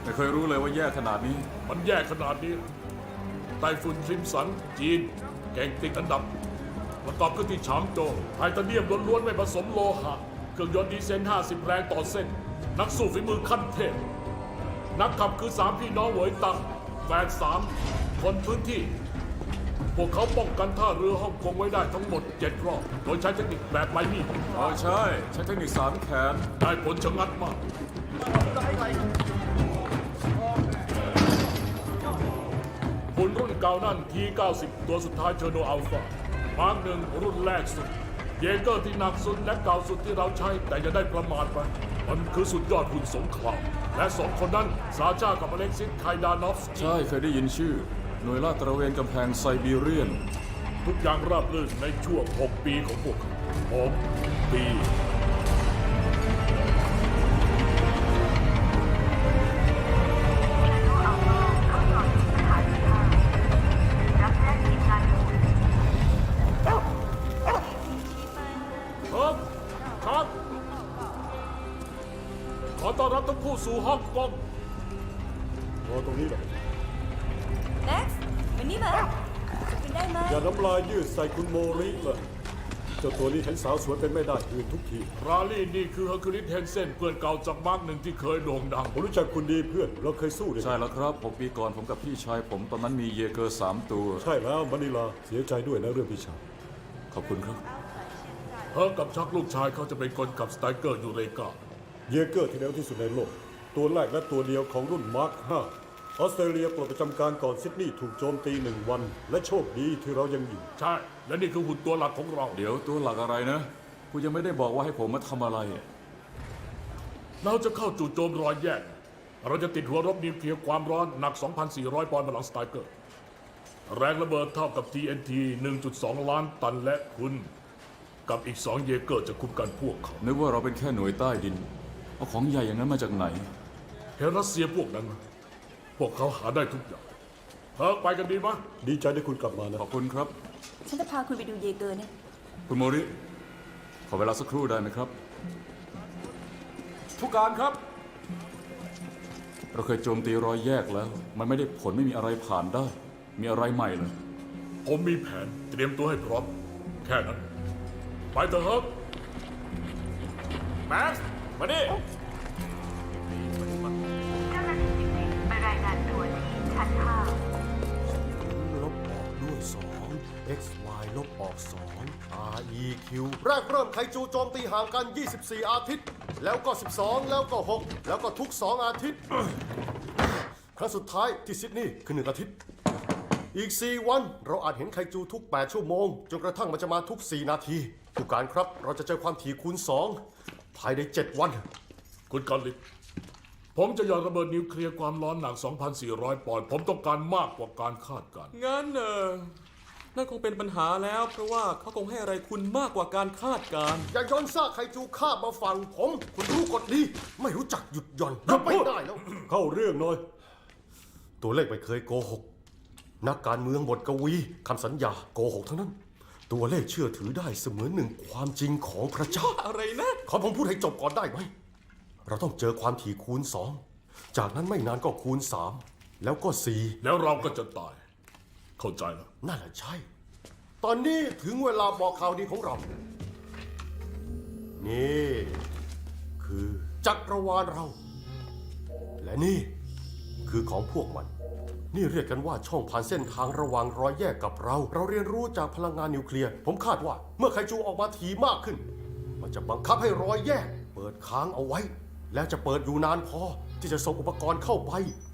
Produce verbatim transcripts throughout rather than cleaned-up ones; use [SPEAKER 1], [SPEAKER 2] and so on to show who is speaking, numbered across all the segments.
[SPEAKER 1] ไม่เคยรู้เลยว่าแย่ขนาดนี้
[SPEAKER 2] มันแย่ขนาดนี้ไต้ฝุ่นคริมสันจีนแก่งติดอันดับประกอบขึ้นที่ฉางโจวไทเทเนียมล้วนๆไม่ผสมโลหะเครื่องยนต์ดีเซลห้าสิบแรงต่อเส้น นักสู้ฝีมือขั้นเทพนักขับคือสามพี่น้องเหวยตังแฟนสามคนพื้นที่ พวกเขาป้องกันท่าเรือฮ่องกงไว้ได้ทั้งหมดเจ็ดรอบโดยใช้เทคนิคแบบไมมี่
[SPEAKER 1] อ๋อใช่ ใช้เทคนิคสามแขน
[SPEAKER 2] ได้ผลชะงัดมากหุ่นรุ่นเก่านั่น ที เก้าสิบ ตัวสุดท้ายเชอร์โนอัลฟามาร์กหนึ่งรุ่นแรกสุด เยเกอร์ที่หนักสุดและเก่าสุดที่เราใช้แต่อย่าได้ประมาทไป มันคือสุดยอดหุ่นสงครามและสองคนนั้นซาชากับอเล็กซิสไคดานอฟสกี้
[SPEAKER 1] ใช่เคยได้ยินชื่อ หน่วยลาดตระเวนกำแพงไซบีเรียน
[SPEAKER 2] ทุกอย่างราบรื่นในช่วงหกปีของพวกเขาหกปีครับครับ ขอต้อนรับทั้งคู่สู่ฮ่องกง
[SPEAKER 3] รอตรงนี้หน่อย
[SPEAKER 4] แม็กซ์วันนี้มาจะเป็นได้ไหม
[SPEAKER 3] อย่าน้ำลายยืดใส่คุณโมริเลยเจ้าตัวนี้เห็นสาวสวยเป็นไม่ได้ยืนทุกที
[SPEAKER 2] ราลี่นี่คือเฮอร์คิวลิสเฮนเซนเพื่อนเก่าจากมาร์กหนึ่งที่เคยโด่งดัง
[SPEAKER 3] ผมรู้จักคุณดีเพื่อนเราเคยสู้ด้วยกัน
[SPEAKER 1] ใช่แล้วครับหกปีก่อนผมกับพี่ชายผมตอนนั้นมีเยเกอร์สามตัว
[SPEAKER 3] ใช่แล้วมณิลาเสียใจด้วยนะเรื่องพี่ชาย
[SPEAKER 1] ขอบคุณครับ
[SPEAKER 2] เฮอร์กับชักลูกชายเขาจะเป็นคนขับสไตรเกอร์ยูเรกา
[SPEAKER 3] เยเกอร์ที่เร็วที่สุดในโลก ตัวแรกและตัวเดียวของรุ่นมาร์คห้าออสเตรเลียปลดประจำการก่อนซิดนีย์ถูกโจมตีหนึ่งวัน และโชคดีที่เรายังอยู่
[SPEAKER 2] ใช่ และนี่คือหุ่นตัวหลักของเรา
[SPEAKER 1] เดี๋ยวตัวหลักอะไรนะคุณยังไม่ได้บอกว่าให้ผมมาทำอะไร
[SPEAKER 2] เราจะเข้าจู่โจมรอยแยก เราจะติดหัวรบนิวเคลียร์ความร้อนหนัก สองพันสี่ร้อย ปอนด์บนหลังสไตรเกอร์ แรงระเบิดเท่ากับ ที เอ็น ที หนึ่งจุดสอง ล้านตันและคุณ กับอีกสองเยเกอร์จะคุมกันพวกเขา
[SPEAKER 1] นึกว่าเราเป็นแค่หน่วยใต้ดิน เอาของใหญ่อย่างนั้นมาจากไหน
[SPEAKER 2] เห็นรัสเซียพวกนั้นไหมพวกเขาหาได้ทุกอย่างเฮอร์ไปกันดีไหม
[SPEAKER 3] ดีใจได้คุณกลับมานะ
[SPEAKER 1] ขอบคุณครับ
[SPEAKER 4] ฉันจะพาคุณไปดูเยเกอร์นะ
[SPEAKER 1] คุณโมริ ขอเวลาสักครู่ได้ไหมครับ ผู้การครับ เราเคยโจมตีรอยแยกแล้ว มันไม่ได้ผลไม่มีอะไรผ่านได้ มีอะไรใหม่เลย
[SPEAKER 2] ผมมีแผนเตรียมตัวให้พร้อม แค่นั้น ไปเถอะเฮอร์แม็กซ์มาดิ
[SPEAKER 5] เจ้าหน้าที่จิติไปรายงานตัวที่ชั้นห้า
[SPEAKER 6] ลบออกด้วย สอง x y ลบออก สอง r e q แรกเริ่มไคจูโจมตีห่างกัน ยี่สิบสี่ อาทิตย์ แล้วก็ สิบสอง แล้วก็ หก แล้วก็ทุก สอง อาทิตย์ ครั้งสุดท้ายที่ซิดนีย์คือ หนึ่ง อาทิตย์ อีก สี่ วัน เราอาจเห็นไคจูทุก แปด ชั่วโมง จนกระทั่งมันจะมาทุก สี่ นาที ผู้การครับ เราจะเจอความถี่คูณ สอง ภายใน เจ็ด วัน
[SPEAKER 2] คุณกอลิกผมจะหย่อนระเบิดนิวเคลียร์ความร้อนหนัก สองพันสี่ร้อย ปอนด์ ผมต้องการมากกว่าการคาดการณ์
[SPEAKER 7] งั้นเออนั่นคงเป็นปัญหาแล้ว เพราะว่าเขาคงให้อะไรคุณมากกว่าการคาดการณ์
[SPEAKER 6] อย่าย้อนซากไคจูข้ามมาฝั่งผม คุณรู้กฎดี ไม่รู้จักหยุดหย่อนรับไม่ได้แล้ว
[SPEAKER 3] เข้าเรื่องหน่อย
[SPEAKER 6] ตัวเลขไม่เคยโกหก นักการเมืองบทกวีคำสัญญาโกหกทั้งนั้น ตัวเลขเชื่อถือได้เสมือนหนึ่งความจริงของพระเจ้า
[SPEAKER 7] อะไรนะ
[SPEAKER 6] ขอผมพูดให้จบก่อนได้ไหม เราต้องเจอความถี่คูณสอง จากนั้นไม่นานก็คูณสาม แล้วก็สี่
[SPEAKER 2] แล้วเราก็จะตาย เข้าใจแล้ว
[SPEAKER 6] นั่นแหละใช่ ตอนนี้ถึงเวลาบอกข่าวดีของเรา นี่ คือจักรวาลเรา และนี่คือของพวกมัน นี่เรียกกันว่าช่องผ่านเส้นทางระหว่างรอยแยกกับเรา เราเรียนรู้จากพลังงานนิวเคลียร์ ผมคาดว่าเมื่อไคจูออกมาถี่มากขึ้น มันจะบังคับให้รอยแยก เปิดค้างเอาไว้ แล้วจะเปิดอยู่นานพอที่จะส่งอุปกรณ์เข้าไป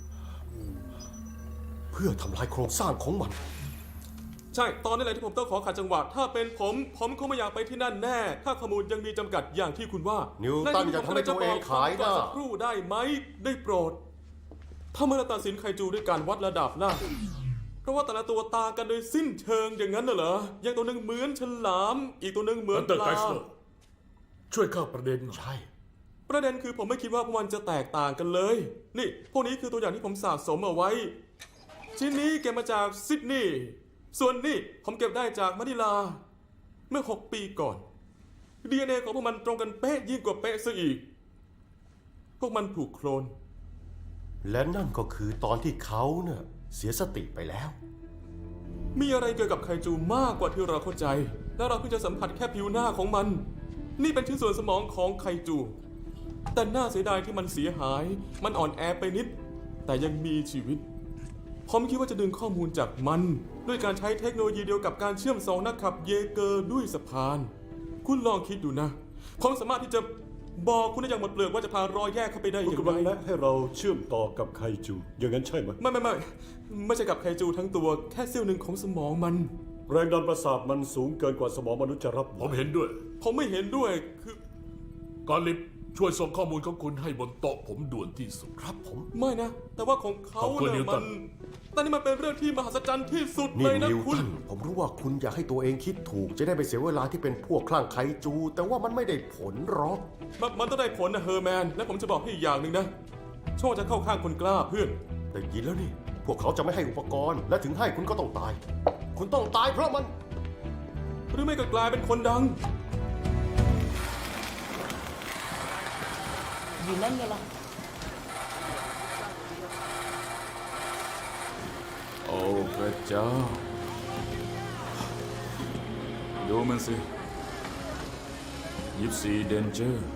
[SPEAKER 6] เพื่อทำลายโครงสร้างของมัน
[SPEAKER 7] ใช่ ตอนนี้แหละที่ผมต้องขอขัดจังหวะ ถ้าเป็นผม ผมคงไม่อยากไปที่นั่นแน่ ถ้าข้อมูลยังมีจำกัดอย่างที่คุณว่า
[SPEAKER 6] นิวตันอย่าทำให้ตัวเองขายหน้า
[SPEAKER 7] สักครู่ได้ไหม ได้โปรด ถ้าเมื่อเราตัดสินไคจูด้วยการวัดระดับล่ะ เพราะว่าแต่ละตัวต่างกันโดยสิ้นเชิงอย่างนั้นน่ะเหรอ อย่างตัวหนึ่งเหมือนฉลาม อีกตัวหนึ่งเหมือน
[SPEAKER 2] อันเตอร์
[SPEAKER 7] ป
[SPEAKER 2] ไก
[SPEAKER 7] ลา
[SPEAKER 2] สเลอร์ช่วยเข้าประเด็นหน่อย
[SPEAKER 6] ใช่
[SPEAKER 7] ประเด็นคือผมไม่คิดว่าพวกมันจะแตกต่างกันเลย นี่ พวกนี้คือตัวอย่างที่ผมสะสมเอาไว้ ชิ้นนี้เก็บมาจากซิดนีย์ ส่วนนี่ผมเก็บได้จากมะนิลา เมื่อหกปีก่อน ดี เอ็น เอ ของพวกมันตรงกันเป๊ะยิ่งกว่าเป๊ะซะอีก พวกมันถูกโคลน
[SPEAKER 6] และนั่นก็คือตอนที่เขาเนี่ยเสียสติไปแล้ว
[SPEAKER 7] มีอะไรเกี่ยวกับไคจูมากกว่าที่เราเข้าใจ และเราเพิ่งจะสัมผัสแค่ผิวหน้าของมัน นี่เป็นชิ้นส่วนสมองของไคจู แต่น่าเสียดายที่มันเสียหาย มันอ่อนแอไปนิด แต่ยังมีชีวิต ผมคิดว่าจะดึงข้อมูลจากมัน ด้วยการใช้เทคโนโลยีเดียวกับการเชื่อมสองนักขับเยเกอร์ด้วยสะพาน คุณลองคิดดูนะ ผมสามารถที่จะบอกคุณได้อย่างหมดเปลือกว่าจะพารอยแยกเข้าไปได้อ
[SPEAKER 3] คุณ
[SPEAKER 7] ย่าง
[SPEAKER 3] กำลัง
[SPEAKER 7] ไร
[SPEAKER 3] แนะให้เราเชื่อมต่อกับไคจู อย่างนั้นใช่ไหม
[SPEAKER 7] ไม่ไม่ไม่ไม่ใช่กับไคจูทั้งตัวแค่เสี้ยวหนึ่งของสมองมัน
[SPEAKER 3] แรงดันประสาทมันสูงเกินกว่าสมองมนุษย์จะรับไหว
[SPEAKER 2] ผมเห็นด้วย
[SPEAKER 7] ผมไม่เห็นด้วยคือ
[SPEAKER 2] กอลิฟช่วยส่งข้อมูลของคุณให้บนโต๊ะผมด่วนที่สุด
[SPEAKER 6] ครับผม
[SPEAKER 7] ไม่นะ แต่ว่าของเขา
[SPEAKER 2] ขอบคุณ
[SPEAKER 7] เนี่ย
[SPEAKER 2] นิวตั
[SPEAKER 7] มัน นแต่นี่มันเป็นเรื่องที่มหัศจรรย์ที่สุด
[SPEAKER 6] นี่
[SPEAKER 7] เลยนะ
[SPEAKER 6] นิว
[SPEAKER 7] คุณ
[SPEAKER 6] ตันผมรู้ว่าคุณอยากให้ตัวเองคิดถูก จะได้ไปเสียเวลาที่เป็นพวกคลั่งไคจู แต่ว่ามันไม่ได้ผลหรอก
[SPEAKER 7] มันมันต้องได้ผลนะเฮอร์แมน และผมจะบอกให้อีกอย่างหนึ่งนะโชคจะเข้าข้างคนกล้าเพื่อน
[SPEAKER 6] ได้ยินแล้วนี่ พวกเขาจะไม่ให้อุปกรณ์ และถึงให้คุณก็ต้องตาย คุณต้องตายเพราะมัน
[SPEAKER 7] หรือไม่ก็กลายเป็นคนดัง
[SPEAKER 4] อยู่นั่นไงล่ะ
[SPEAKER 1] โอ้พระเจ้า ดูมันสิยิปซีเดนเจอร์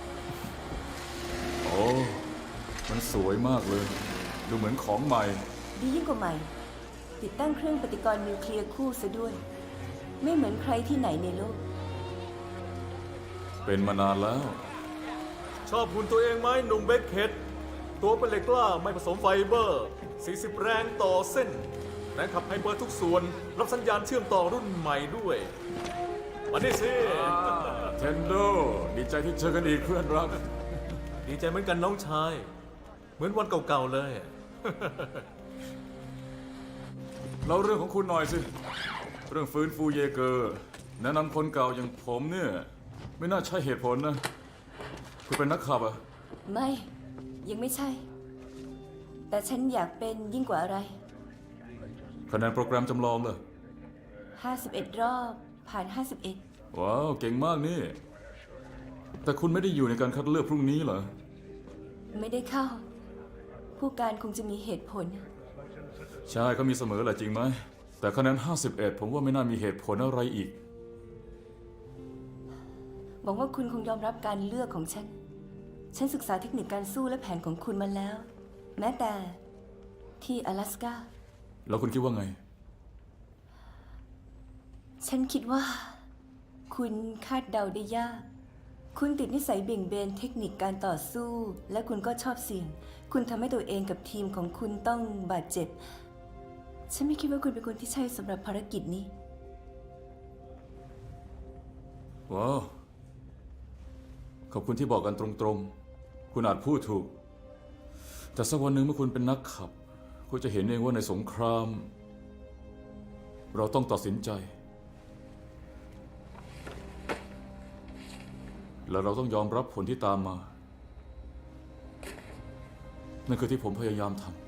[SPEAKER 1] โอ้มันสวยมากเลย ดูเหมือนของใหม่
[SPEAKER 4] ดียิ่งกว่าใหม่ ติดตั้งเครื่องปฏิกรณ์นิวเคลียร์คู่ซะด้วย ไม่เหมือนใครที่ไหนในโลก
[SPEAKER 1] เป็นมานานแล้ว
[SPEAKER 8] ชอบหุ่นตัวเองไหมหนุ่มเบคเฮดตัวเป็นเหล็กกล้าไม่ผสมไฟเบอร์ สี่สิบ แรงต่อเส้น แรงขับไฮเปอร์ทุกส่วน รับสัญญาณเชื่อมต่อรุ่นใหม่ด้วย มาดิสิ
[SPEAKER 1] เทนโด ดีใจที่เจอกันอีกเพื่อนรัก
[SPEAKER 8] ดีใจเหมือนกันน้องชาย เหมือนวันเก่าๆเลย
[SPEAKER 1] เราเรื่องของคุณหน่อยสิ เรื่องฟื้นฟูเยเกอร์ แนะนำคนเก่าอย่างผมเนี่ย ไม่น่าใช่เหตุผลนะ คุณเป็นนักขับอะ
[SPEAKER 4] ไม่ ยังไม่ใช่ แต่ฉันอยากเป็นยิ่งกว่าอะไร
[SPEAKER 1] คะแนนโปรแกรมจำลองเลย
[SPEAKER 4] ห้าสิบเอ็ด รอบ ผ่าน ห้าสิบเอ็ด
[SPEAKER 1] ว้าว เก่งมากนี่ แต่คุณไม่ได้อยู่ในการคัดเลือกพรุ่งนี้เหรอ
[SPEAKER 4] ไม่ได้เข้า ผู้การคงจะมีเหตุผล
[SPEAKER 1] ใช่ก็มีเสมอแหละจริงไหม แต่คะแนน ห้าสิบเอ็ด ผมว่าไม่น่ามีเหตุผลอะไรอีก
[SPEAKER 4] หวังว่าคุณคงยอมรับการเลือกของฉัน ฉันศึกษาเทคนิคการสู้และแผนของคุณมาแล้ว แม้แต่ที่阿拉斯ก้า
[SPEAKER 1] แล้วคุณคิดว่าไง
[SPEAKER 4] ฉันคิดว่า คุณคาดเดาได้ยาก คุณติดนิสัยเบี่ยงเบนเทคนิคการต่อสู้ และคุณก็ชอบเสี่ยง คุณทำให้ตัวเองกับทีมของคุณต้องบาดเจ็บ ฉันไม่คิดว่าคุณเป็นคนที่ใช่สำหรับภารกิจนี้
[SPEAKER 1] ว้าว ขอบคุณที่บอกกันตรงๆ คุณอาจพูดถูก แต่สักวันหนึ่งเมื่อคุณเป็นนักขับ คุณจะเห็นเองว่าในสงคราม เราต้องตัดสินใจ และเราต้องยอมรับผลที่ตามมา นั่นคือที่ผมพยายามทำ